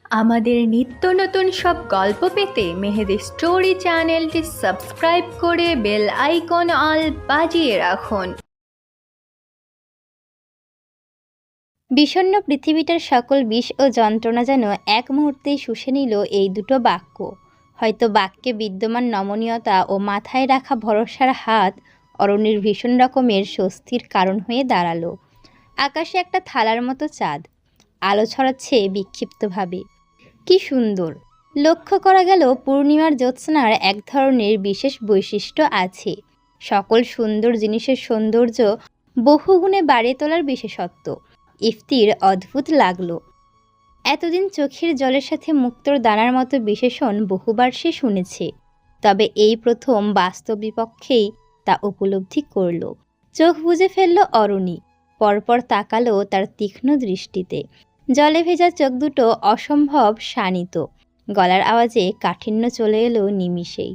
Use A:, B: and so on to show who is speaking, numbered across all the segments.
A: আমাদের নিত্য নতুন সব গল্প পেতে মেহেদি স্টোরি চ্যানেলটি সাবস্ক্রাইব করে বেল আইকন অল বাজিয়ে রাখুন।
B: বিষণ্ণ পৃথিবীটার সকল বিষ ও যন্ত্রণা যেন এক মুহূর্তেই শুষে নিল এই দুটো বাক্য। হয়তো বাক্যে বিদ্যমান নমনীয়তা ও মাথায় রাখা ভরসার হাত অরণ্যের ভীষণ রকমের স্বস্তির কারণ হয়ে দাঁড়ালো। আকাশে একটা থালার মতো চাঁদ আলো ছড়াচ্ছে বিক্ষিপ্তভাবে। কি সুন্দর! লক্ষ্য করা গেল পূর্ণিমার জ্যোৎস্নার এক ধরনের বিশেষ বৈশিষ্ট্য আছে। সকল সুন্দর জিনিসের সৌন্দর্য বহুগুণে বাড়িয়ে তোলার বিশেষত্ব ইফতির অদ্ভুত লাগলো। এতদিন চোখের জলের সাথে মুক্তোর দানার মতো বিশেষণ বহুবার সে শুনেছে, তবে এই প্রথম বাস্তব বিপক্ষেই তা উপলব্ধি করল। চোখ বুজে ফেলল অরণি, পরপর তাকালো তার তীক্ষ্ণ দৃষ্টিতে। জলে ভেজা চোখ দুটো অসম্ভব শানিত, গলার আওয়াজে কাঠিন্য চলে এলো নিমিষেই।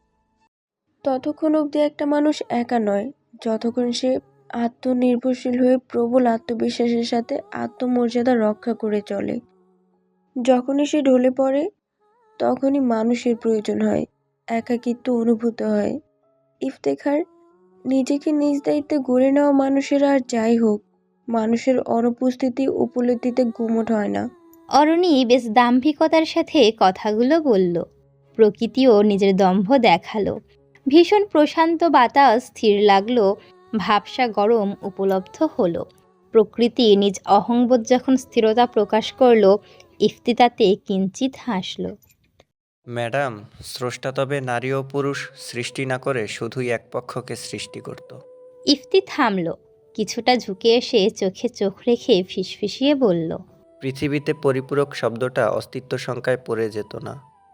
C: ততক্ষণ অবধি একটা মানুষ একা নয় যতক্ষণ সে আত্মনির্ভরশীল হয়ে প্রবল আত্মবিশ্বাসের সাথে আত্মমর্যাদা রক্ষা করে চলে। যখনই সে ঢলে পড়ে তখনই মানুষের প্রয়োজন হয়, একাকিত্ব অনুভূত হয়। ইফতেখার, নিজেকে নিজ দায়িত্বে গড়ে নেওয়া মানুষেরা আর যাই হোক, মানুষের অনুপস্থিতি উপলব্ধিতে গুমট হয় না।
B: অরণি বেশ দাম্ভিকতার সাথে কথাগুলো বলল। প্রকৃতিও নিজের দম্ভ দেখালো। ভীষণ প্রশান্ত বাতাস স্থির লাগলো, ভাবসা গরম উপলব্ধ হলো। প্রকৃতি নিজ অহংবোধ যখন স্থিরতা প্রকাশ করলো, ইফতি তাতে কিঞ্চিত হাসল।
D: ম্যাডাম, স্রষ্টা তবে নারী ও পুরুষ সৃষ্টি না করে শুধুই এক পক্ষকে সৃষ্টি করত।
B: ইফতি থামল, কিছুটা ঝুঁকে এসে চোখে চোখ রেখে ফিসফিসিয়ে বলল,
D: পৃথিবীতে পরিপূরক শব্দটা অস্তিত্ব সংখ্যায় পড়ে যেত না।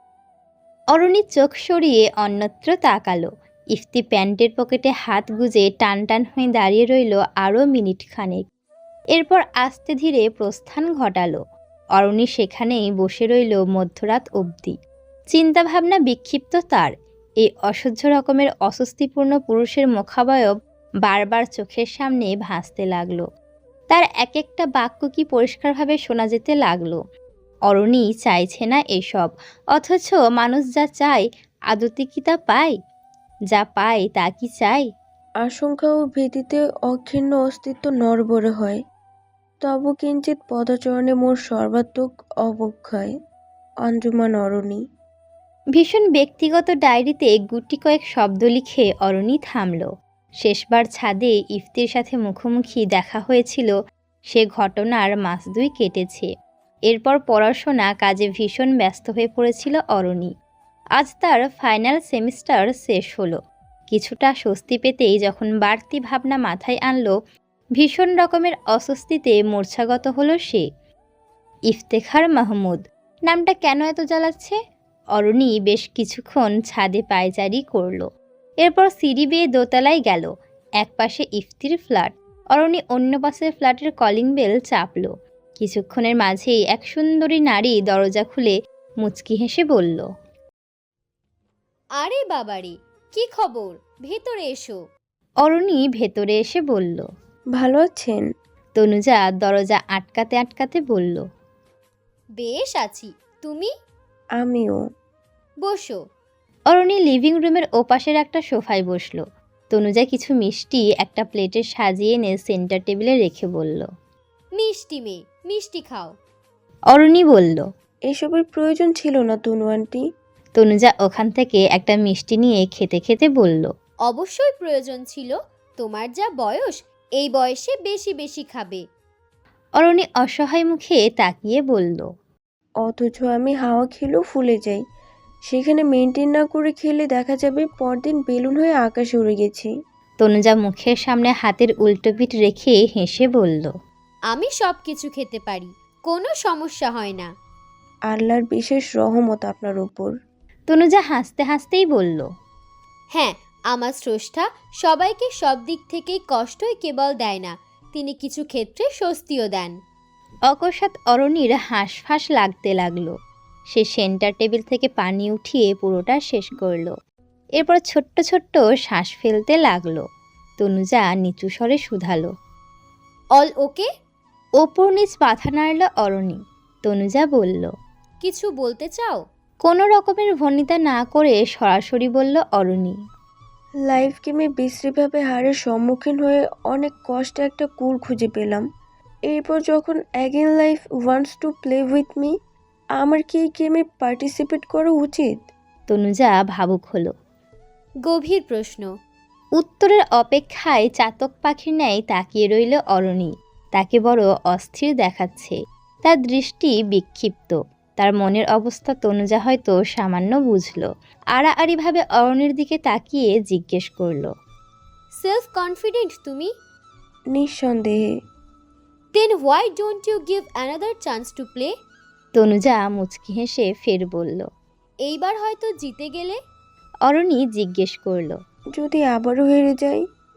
B: অরণি চোখ সরিয়ে অন্যত্র তাকালো। ইফতি প্যান্টের পকেটে হাত গুজে টান টান হয়ে দাঁড়িয়ে রইল আরও মিনিট খানেক। এরপর আস্তে ধীরে প্রস্থান ঘটালো। অরণি সেখানেই বসে রইল মধ্যরাত অবধি। চিন্তাভাবনা বিক্ষিপ্ত তার। এই অসহ্য রকমের অস্বস্তিপূর্ণ পুরুষের মুখাবয়ব বারবার চোখের সামনে ভাসতে লাগলো। তার এক একটা বাক্য কি পরিষ্কারভাবে শোনা যেতে লাগলো। অরণি চাইছে না এসব, অথচ মানুষ যা চায় আদতে কি তা পায়? যা পায় তা কি চায়?
C: আশঙ্কা ও ভীতিতে অক্ষীর্ণ অস্তিত্ব নড়বড়ে হয়। তবু কিঞ্চিৎ পদচরণে মোর সর্বাত্মক অবক্ষয়। অঞ্জুমান অরণি।
B: ভীষণ ব্যক্তিগত ডায়েরিতে গুটি কয়েক শব্দ লিখে অরণি থামল। শেষবার ছাদে ইফতির সাথে মুখোমুখি দেখা হয়েছিল, সে ঘটনার মাস 2 কেটেছে। এরপর পড়াশোনা কাজে ভীষণ ব্যস্ত হয়ে পড়েছিল অরণি। আজ তার ফাইনাল সেমিস্টার শেষ হলো। কিছুটা স্বস্তি পেতেই যখন বাড়তি ভাবনা মাথায় আনলো, ভীষণ রকমের অস্বস্তিতে মূর্ছাগত হলো সে। ইফতেখার মাহমুদ নামটা কেন এত জ্বালাচ্ছে? অরণি বেশ কিছুক্ষণ ছাদে পায়চারি করলো। এরপর সিঁড়ি বেয়ে দোতলায় গেল। এক পাশে ইফতির ফ্ল্যাট, অরণি অন্য পাশের ফ্ল্যাটের কলিং বেল চাপল। কিছুক্ষণের মাঝেই এক সুন্দরী নারী দরজা খুলে মুচকি হেসে বলল,
E: আরে বাবারে, কি খবর? ভেতরে এসো।
B: অরণি ভেতরে এসে বলল।
C: ভালো আছেন?
B: তনুজা দরজা আটকাতে আটকাতে বলল,
E: বেশ আছি, তুমি?
C: আমিও।
E: বসো।
B: অরণি লিভিং রুমের ওপাশের একটা সোফায় বসলো। তনুজা কিছু মিষ্টি একটা প্লেটে সাজিয়ে এনে সেন্টার টেবিলে রেখে বলল,
E: মিষ্টি মেয়ে, মিষ্টি খাও।
B: অরণি বলল।
C: এসবের প্রয়োজন ছিল না তনু আন্টি।
B: তনুজা ওখান থেকে একটা মিষ্টি নিয়ে খেতে খেতে বলল,
E: অবশ্যই প্রয়োজন ছিল, তোমার যা বয়স এই বয়সে বেশি বেশি খাবে।
B: অরণি অসহায় মুখে তাকিয়ে বলল,
C: অথচ আমি হাওয়া খেলেও ফুলে যাই, সেখানে মেনটেন না করে খেলে দেখা যাবে পরদিন বেলুন হয়ে আকাশে উড়ে গেছি।
B: তনুজা মুখের সামনে হাতের উল্টো পিঠ রেখে হেসে বলল,
E: আমি সব কিছু খেতে পারি, কোনো সমস্যা হয় না।
C: আল্লাহর বিশেষ রহমত আপনার উপর।
B: তনুজা হাসতে হাসতেই বলল,
E: হ্যাঁ, আমার স্রষ্টা সবাইকে সব দিক থেকেই কষ্টই কেবল দেয় না, তিনি কিছু ক্ষেত্রে স্বস্তিও দেন।
B: অকস্মাৎ অরণির হাঁসফাঁস লাগতে লাগলো। সে সেন্টার টেবিল থেকে পানি উঠিয়ে পুরোটা শেষ করলো। এরপর ছোট্ট ছোট্ট শ্বাস ফেলতে লাগলো। তনুজা নিচু স্বরে শুধালো,
E: অল ওকে?
B: ওপর নিচ মাথা নাড়ল অরণি। তনুজা বলল,
E: কিছু বলতে চাও?
B: কোনো রকমের ভনিতা না করে সরাসরি বলল অরণি।
C: লাইফ গেমে বিশ্রীভাবে হারের সম্মুখীন হয়ে অনেক কষ্টে একটা কুল খুঁজে পেলাম। এরপর যখন again life wants to play with me, আমার কি এই গেমে পার্টিসিপেট করা উচিত?
B: তনুজা ভাবুক হলো।
E: গভীর প্রশ্ন।
B: উত্তরের অপেক্ষায় চাতক পাখির ন্যায় তাকিয়ে রইল অরণি। তাকে বড় অস্থির দেখাচ্ছে। তার দৃষ্টি বিক্ষিপ্ত। তার মনের অবস্থা তনুজা হয়তো সামান্য বুঝল। আড়াআড়িভাবে অরণির দিকে তাকিয়ে জিজ্ঞেস করল।
E: সেলফ কনফিডেন্ট তুমি?
C: নিঃসন্দেহে।
E: Then why don't you give another chance to play?
B: Tanuja মুচকি হেসে ফের বলল।
E: এইবার হয়তো জিতে গেলে?
B: অরণি জিজ্ঞেস করল।
C: যদি আবারও হেরে যাই?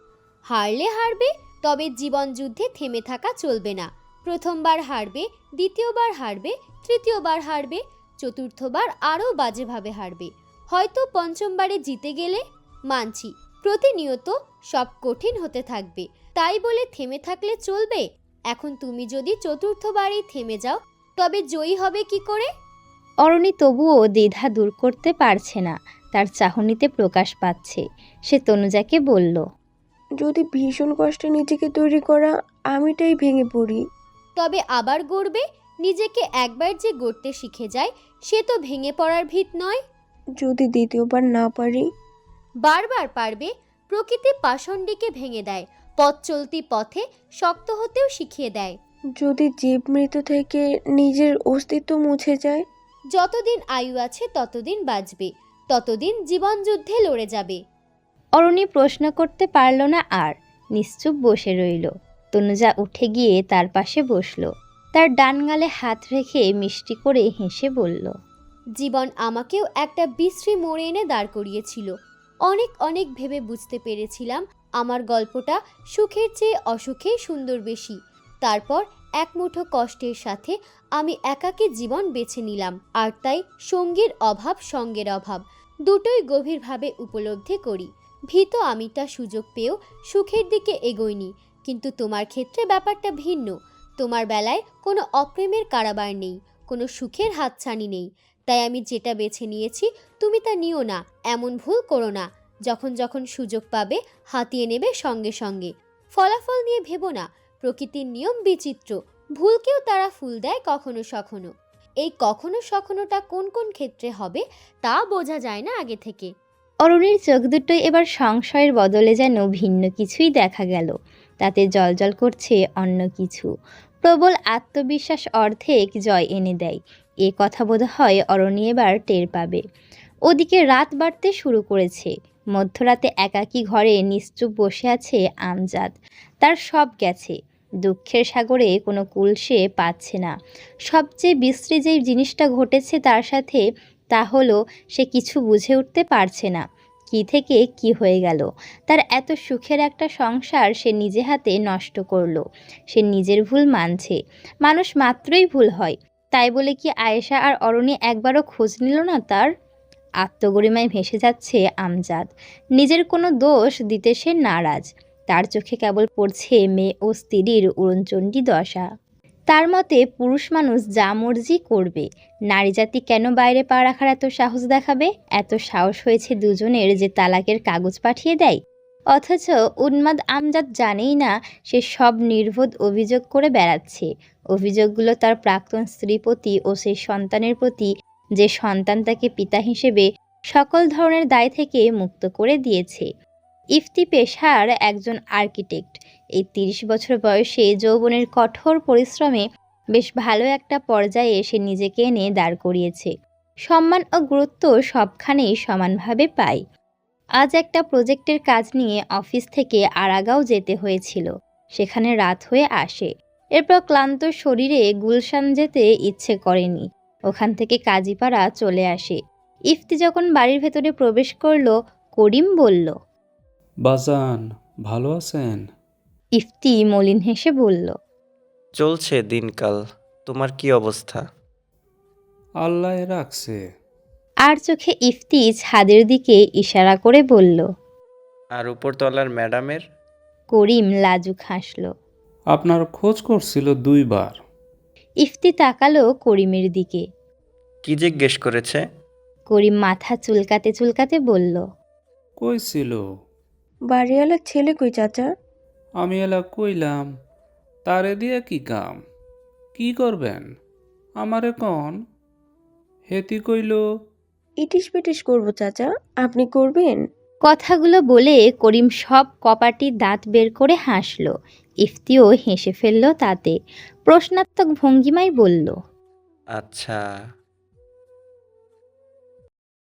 E: হারলে হারবে, তবে জীবন যুদ্ধে থেমে থাকা চলবে না। প্রথমবার হারবে, দ্বিতীয়বার হারবে, তৃতীয়বার হারবে, চতুর্থবার আরও বাজেভাবে হারবে, হয়তো পঞ্চমবারে জিতে গেলে। মানছি, প্রতিনিয়ত সব কঠিন হতে থাকবে, তাই বলে থেমে থাকলে চলবে? এখন তুমি যদি চতুর্থবারেই থেমে যাও, তবে জয়ী হবে কি করে?
B: অরণি তবুও দ্বিধা দূর করতে পারছে না। তার চাহনিতে প্রকাশ পাচ্ছে। সে তনুজাকে বলল।
C: যদি ভীষণ কষ্টে নিজেকে তৈরি করা আমিটাই ভেঙে পড়ি?
E: তবে আবার গড়বে। নিজেকে একবার যে গড়তে শিখে যায়, সে তো ভেঙে পড়ার ভিত নয়।
C: যদি দ্বিতীয়বার না পারি?
E: বারবার পারবে। প্রকৃতি পাষণ্ডীকে ভেঙে দেয়, পথ চলতি পথে শক্ত হতেও শিখিয়ে দেয়।
C: যদি জীব মৃত থেকে নিজের অস্তিত্ব মুছে যায়?
E: যতদিন আয়ু আছে ততদিন বাঁচবে, ততদিন জীবন যুদ্ধে লড়ে যাবে।
B: অরণি প্রশ্ন করতে পারল না আর। নিশ্চুপ বসে রইল। তনুজা উঠে গিয়ে তার পাশে বসল। তার ডান গালে হাত রেখে মিষ্টি করে হেসে বলল।
E: জীবন আমাকেও একটা বিশ্রী মোড়ে এনে দাঁড় করিয়েছিল। অনেক অনেক ভেবে বুঝতে পেরেছিলাম আমার গল্পটা সুখের চেয়ে অসুখেই সুন্দর বেশি। তারপর এক মুঠো কষ্টের সাথে আমি একাকী জীবন বেছে নিলাম। আর তাই সঙ্গীর অভাব, সঙ্গের অভাব দুটোই গভীরভাবে উপলব্ধি করি। ভীত আমিটা সুযোগ পেয়েও সুখের দিকে এগোইনি। কিন্তু তোমার ক্ষেত্রে ব্যাপারটা ভিন্ন। তোমার বেলায় কোনো অপ্রেমের কারাবার নেই, কোনো সুখের হাতছানি নেই। তাই আমি যেটা বেছে নিয়েছি তুমি তা নিও না, এমন ভুল করো না। যখন যখন সুযোগ পাবে হাতিয়ে নেবে সঙ্গে সঙ্গে। ফলাফল নিয়ে ভেবো না। প্রকৃতির নিয়ম বিচিত্র, ভুলকেও তারা ফুল দেয় কখনো সখনো। এই কখনো সখনোটা কোন কোন ক্ষেত্রে হবে তা বোঝা যায় না আগে থেকে।
B: অরুণীর চোখ দুটোই এবার সংশয়ের বদলে যেন ভিন্ন কিছুই দেখা গেল। তাতে জলজল করছে অন্য কিছু। প্রবল আত্মবিশ্বাস অর্ধেক জয় এনে দেয়। এ কথা বোধহয় অরণি এবার টের পাবে। ওদিকে রাত বাড়তে শুরু করেছে। মধ্যরাতে একাকী ঘরে নিশ্চুপ বসে আছে আমজাদ। তার সব গেছে। দুঃখের সাগরে কোনো কুল সে পাচ্ছে না। সবচেয়ে বিশ্রী যেই জিনিসটা ঘটেছে তার সাথে, তা হলো সে কিছু বুঝে উঠতে পারছে না। কি থেকে কি হয়ে গেল। তার এত সুখের একটা সংসার সে নিজে হাতে নষ্ট করলো। সে নিজের ভুল মানছে। মানুষ মাত্রই ভুল হয়। তাই বলে কি আয়েশা আর অরণি একবারও খোঁজ নিল না তার? আত্মগরিমায় ভেসে যাচ্ছে আমজাদ। নিজের কোনো দোষ দিতে সে নারাজ। তার চোখে কেবল পড়ছে মেয়ে ও স্ত্রীর উড়নচণ্ডী দশা। তার মতে পুরুষ মানুষ যা মর্জি করবে, নারী জাতি কেন বাইরে পা রাখার এত সাহস দেখাবে? এত সাহস হয়েছে দুজনের যে তালাকের কাগজ পাঠিয়ে দেয়। অথচ উন্মাদ আমজাদ জানেই না সে সব নির্বোধ অভিযোগ করে বেড়াচ্ছে। অভিযোগগুলো তার প্রাক্তন স্ত্রী প্রতি ও সেই সন্তানের প্রতি, যে সন্তান তাকে পিতা হিসেবে সকল ধরনের দায় থেকে মুক্ত করে দিয়েছে। ইফতি পেশার একজন আর্কিটেক্ট। এই ৩০ বছর বয়সে যৌবনের কঠোর পরিশ্রমে বেশ ভালো একটা পর্যায়ে এসে নিজেকে এনে দাঁড় করিয়েছে। সম্মান ও গুরুত্ব সবখানেই সমানভাবে পায়। আজ একটা প্রজেক্টের কাজ নিয়ে অফিস থেকে আরাগাঁও যেতে হয়েছিল। সেখানে রাত হয়ে আসে। এরপর ক্লান্ত শরীরে গুলশান যেতে ইচ্ছে করেনি। ওখান থেকে কাজীপাড়া চলে আসে। ইফতি যখন বাড়ির ভেতরে প্রবেশ করলো, করিম বলল,
F: বাজান ভালো আছেন?
B: ইফতি মলিন হেসে বলল,
D: চলছে দিনকাল। তোমার কি অবস্থা?
F: আল্লাহ রাখছে।
B: আর চোখে ইফতি ছাদের দিকে ইশারা করে বলল।
D: আর উপরতলার ম্যাডামের?
B: করিম লাজুক হাসল।
F: আপনার খোঁজ করছিল 2 বার।
B: ইফতি তাকালো করিমের দিকে।
D: কি জিজ্ঞেস করেছে?
B: করিম মাথা চুলকাতে চুলকাতে বলল,
F: কই ছিল?
C: বাড়িওয়ালার ছেলে কই চাচা?
F: আমি এলা কইলাম, তারে দিয়ে কি কাম? কি করবেন? আমারে কন? হেতি কইল,
C: ইটিস পিটিস করবো চাচা, আপনি করবেন?
B: কথাগুলো বলে করিম সব কপাটি দাঁত বের করে হাসল। ইফতিও হেসে ফেলল তাতে। প্রশ্নাত্মক ভঙ্গিমায় বলল,
D: আচ্ছা,